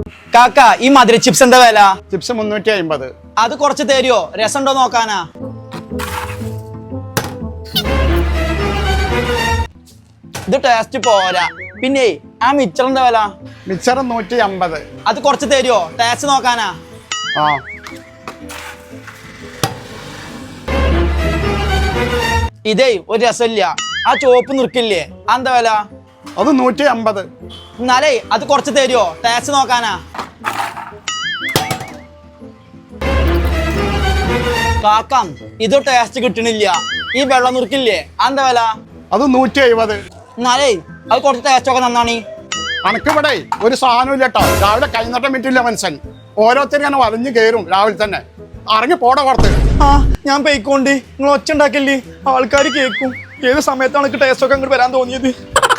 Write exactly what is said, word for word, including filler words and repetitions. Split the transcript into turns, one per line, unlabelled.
കാക്ക ഈ മധുര ചിപ്സ് എന്താ വില?
ചിപ്സ് മുന്നൂറ്റി അമ്പത്.
അത് കുറച്ച് തരുമോ? രസം ഉണ്ടോ നോക്കാനാ. ഇത് ടേസ്റ്റ് പോരാ. പിന്നെ ആ മിച്ചർ എന്താ വില?
മിച്ചർ നൂറ്റി അമ്പത്.
അത് കുറച്ച് തരുമോ? ടേസ്റ്റ് നോക്കാനാ.
ആ
ഇതേ ഒരു രസമില്ല. ആ ചോപ്പ് നിൽക്കില്ലേ, എന്താ വില?
അത് നൂറ്റി അമ്പത്.
എന്നാലേ അത് കുറച്ച് തരുമോ? ടേസ്റ്റ് നോക്കാനാ. കാക്കം ഇത് ടേസ്റ്റ് കിട്ടണില്ല. ഈ വെള്ളം നുറുക്കില്ലേ, എന്താ വില?
അത് നൂറ്റി എഴുപത്.
എന്നാലേ അത് കുറച്ച് ടേസ്റ്റ് ഒക്കെ നന്നാണ്.
അനക്കിവിടെ ഒരു സാധനം ഇല്ല കേട്ടോ. രാവിലെ കൈനട്ടം വിറ്റില്ല മനുഷ്യൻ. ഓരോരുത്തരും ഇങ്ങനെ വലിഞ്ഞു കയറും രാവിലെ തന്നെ. ഇറങ്ങി പോട പുറത്ത്.
ആ ഞാൻ പോയിക്കോണ്ട്. നിങ്ങൾ ഒച്ച ഉണ്ടാക്കല്ലേ, ആൾക്കാർ കേൾക്കും. ഏത് സമയത്താണ് എനിക്ക് ടേസ്റ്റ് ഒക്കെ അങ്ങോട്ട് വരാൻ തോന്നിയത്?